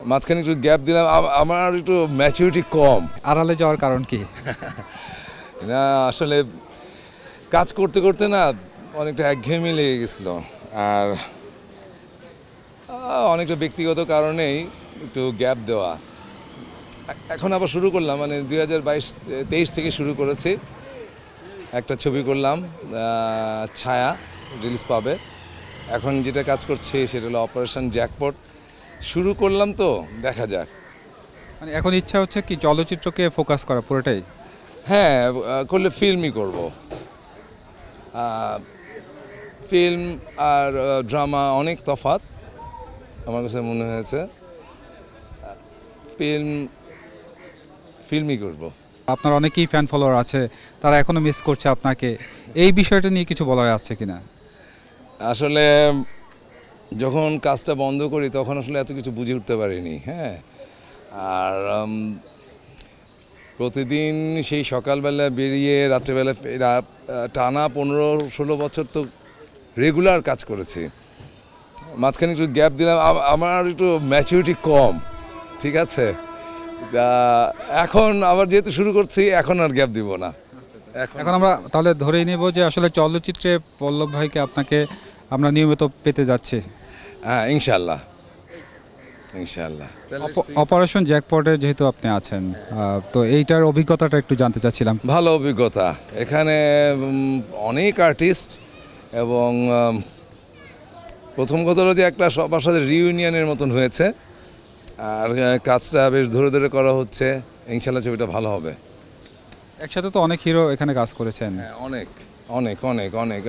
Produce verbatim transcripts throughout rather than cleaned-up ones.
মাঝখানে একটু গ্যাপ দিলাম, আমার একটু ম্যাচুরিটি কম। আড়ালে যাওয়ার কারণ কি? না আসলে কাজ করতে করতে না অনেকটা একঘেয়েমি লেগে গেছিলো, আর অনেকটা ব্যক্তিগত কারণেই একটু গ্যাপ দেওয়া। এখন আবার শুরু করলাম, মানে দুই হাজার বাইশ তেইশ থেকে শুরু করেছি। একটা ছবি করলাম, ছায়া, রিলিজ পাবে। এখন যেটা কাজ করছি সেটা হলো অপারেশন জ্যাকপট। শুরু করলাম তো, দেখা যাক। মানে এখন ইচ্ছা হচ্ছে কি চলচ্চিত্রকে ফোকাস করা পুরোটাই? হ্যাঁ, করলে ফিল্মই করব। ফিল্ম আর ড্রামা অনেক তফাৎ আমার কাছে মনে হয়েছে। ফিল্ম ফিল্মই করব। আপনার অনেকেই ফ্যান ফলোয়ার আছে, তারা এখনো মিস করছে আপনাকে, এই বিষয়টা নিয়ে কিছু বলার আছে কিনা? আসলে যখন কাজটা বন্ধ করি তখন আসলে এত কিছু বুঝে উঠতে পারিনি। হ্যাঁ, আর প্রতিদিন সেই সকালবেলা বেরিয়ে রাত্রেবেলা ফেরা, টানা পনেরো ষোলো বছর তো রেগুলার কাজ করেছি। মাঝখানে একটু গ্যাপ দিলাম, আমার একটু ম্যাচুরিটি কম, ঠিক আছে। এখন আবার যেহেতু শুরু করছি, এখন আর গ্যাপ দিব না। এখন আমরা তাহলে ধরেই নেব যে আসলে চলচ্চিত্রে পল্লব ভাইকে আপনাকে আমরা নিয়মিত পেতে যাচ্ছি। হ্যাঁ, ইনশাল্লাহ ইনশাল্লাহ। অপারেশন জ্যাকপটে যেহেতু আপনি আছেন, তো এইটার অভিজ্ঞতাটা একটু জানতে চাচ্ছিলাম। ভালো অভিজ্ঞতা, এখানে অনেক আর্টিস্ট, এবং প্রথম কথা হলো যে একটা সবার সাথে রিউনিয়নের মতন হয়েছে, আর কাজটা বেশ ধরে ধরে করা হচ্ছে। ইনশাল্লাহ ছবিটা ভালো হবে। একসাথে তো অনেক হিরো এখানে কাজ করেছেন। হ্যাঁ, অনেক অনেক অনেক অনেক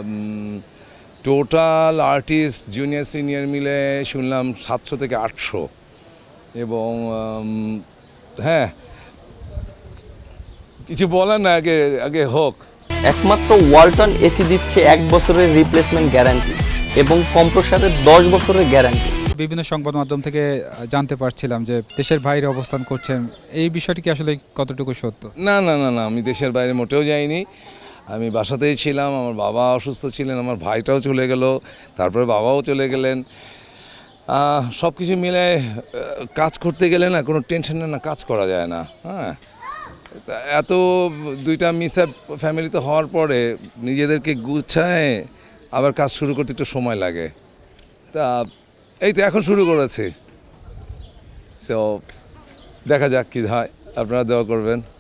টোটাল আর্টিস্ট জুনিয়র সিনিয়র মিলে শুনলাম সাতশো থেকে আটশো। এবং হ্যাঁ, কিছু বলার না, আগে আগে হোক। একমাত্র ওয়ালটন এসি দিচ্ছে এক বছরের রিপ্লেসমেন্ট গ্যারান্টি এবং কম্প্রেসারের দশ বছরের গ্যারান্টি। বিভিন্ন সংবাদ মাধ্যম থেকে জানতে পারছিলাম যে দেশের বাইরে অবস্থান করছেন, এই বিষয়টি কি আসলে কতটুকু সত্য? না না না না, আমি দেশের বাইরে মোটেও যাইনি। আমি বাসাতেই ছিলাম। আমার বাবা অসুস্থ ছিলেন, আমার ভাইটাও চলে গেল, তারপরে বাবাও চলে গেলেন। সব কিছু মিলে কাজ করতে গেলে না কোনো টেনশন না, কাজ করা যায় না। হ্যাঁ, এত দুইটা মিস আপ ফ্যামিলিতে হওয়ার পরে নিজেদেরকে গুছায় আবার কাজ শুরু করতে একটু সময় লাগে। তা এই তো এখন শুরু করেছি, সো দেখা যাক কী হয়, আপনারা দোয়া করবেন।